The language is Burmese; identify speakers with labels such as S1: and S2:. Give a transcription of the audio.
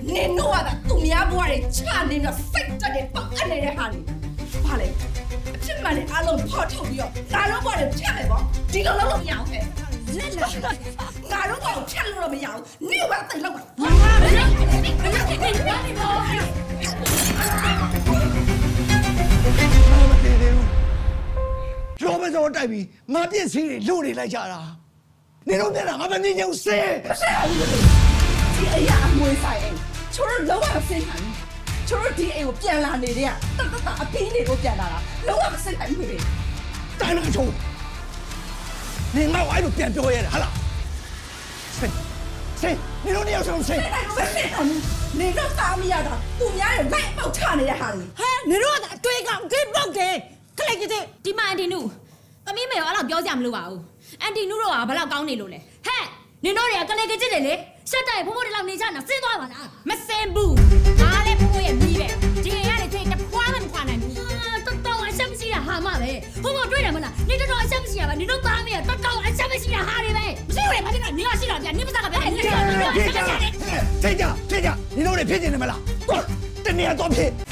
S1: နင်တို့ကသူများဘွားတွေချနေတော့စိတ်တက်တယ်ပတ်အနေတဲ့ဟာတွေဘာလဲအဖြစ်မှန်နဲ့အားလုံးဖော်ထုတ်ပြီးတော့ငါတို့ဘွားတွေဖြတ်မယ်ပေါ့ဒီလိုလုပ်လို့မရအောင်ဟဲ့လက်လက်ငါတို့ဘွားကိုဖြတ်လို့တော့မရအောင်နင်ကတိတ်လောက်ပါငါမလုပ်ဘူးမလုပ်ဘူး
S2: လောဘစောတိုက်ပြီးငါပြည့်စည်တွေလို့နေလိုက်ကြတာနေတော့ပြန်လာငါမနေချင်ဘူးဆဲ
S1: ဒီအရာအမွေဆိုင်အိမ်ချိုးလုံးဝမစိတ်ခံဘူးချိုးဒီအိမ်ကိုပြန်လာနေတဲ့တတအပင်းတွေကိုပြန်လာတာလုံးဝမစိတ်ခံဘူးလေ
S2: တိုင်းလာချုံနေငါ့ဝိုင်းလို့ပြန်ပြောရတယ်ဟာလားဆဲနေတော့နေရောက်ဆုံးဆဲ
S1: နေတော့သားမရတာသူများရဲ့လိုက်ပေါက်ချနေတဲ့ဟာတွေ
S3: ဟဲ့နေတော့အတွေ့ကောင်ဂိတ်ပေါက်တယ်ခလိုက်ကြည့်
S4: ဒီမှာအန်တီနုသမီးမေရောအဲ့လောက်ပြောကြမလို့ပါဘူးအန်တီနုတော့ကဘယ်လောက်ကောင်းနေလို့လဲဟဲ့နင်တို့တွေကကလေးကကြည့်တယ်လေရှက်တိုက်ဖိုးဖိုးတွေလောက်နေကြတာစင်းသွားပါလားမစင်ဘူးငါလည်းဖိုးဖိုးရဲ့မိပဲဒီရရတယ်ချိန်တစ်ခွားမှမခွာနိုင်ဘူးတော်တော်အချက်မရှိတာဟာမပဲဖိုးဖိုးတွေ့တယ်မလားနင်တော်တော်အချက်မရှိရပါနင်တို့သားမေတော်တော်အချက်မရှိတာဟာတွေပဲမရှိဘူးလေဘာဖြစ်လဲနင်ကရှိတာဗျနင်မစားကဗျနင်ကရှိတာ
S2: ထိတ်ကြနေတော့နေဖြစ်နေမလားတော့တနေရာတော့ဖြစ်